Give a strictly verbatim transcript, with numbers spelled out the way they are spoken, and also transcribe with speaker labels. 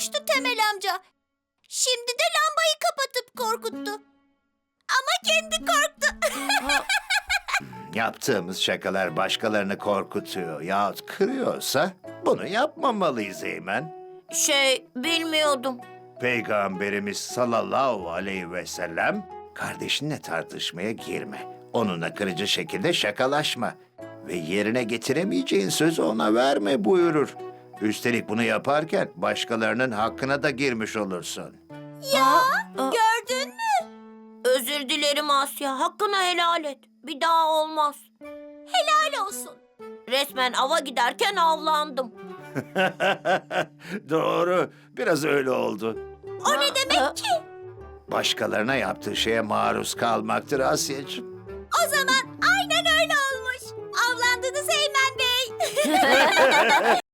Speaker 1: korkmuştu Temel amca. Şimdi de lambayı kapatıp korkuttu. Ama kendi korktu.
Speaker 2: Yaptığımız şakalar başkalarını korkutuyor yahut kırıyorsa bunu yapmamalıyız Eymen.
Speaker 3: Şey, bilmiyordum.
Speaker 2: Peygamberimiz sallallahu aleyhi ve sellem kardeşinle tartışmaya girme. Onunla kırıcı şekilde şakalaşma. Ve yerine getiremeyeceğin sözü ona verme buyurur. Üstelik bunu yaparken başkalarının hakkına da girmiş olursun.
Speaker 3: Ya,
Speaker 1: Gördün mü?
Speaker 3: özür dilerim Asya. Hakkını helal et. Bir daha olmaz.
Speaker 1: Helal olsun.
Speaker 3: Resmen ava giderken avlandım.
Speaker 2: Doğru, biraz öyle oldu.
Speaker 1: O ne demek ki?
Speaker 2: Başkalarına yaptığı şeye maruz kalmaktır Asya'cığım.
Speaker 1: O zaman aynen öyle olmuş. Avlandınız Eymen Bey.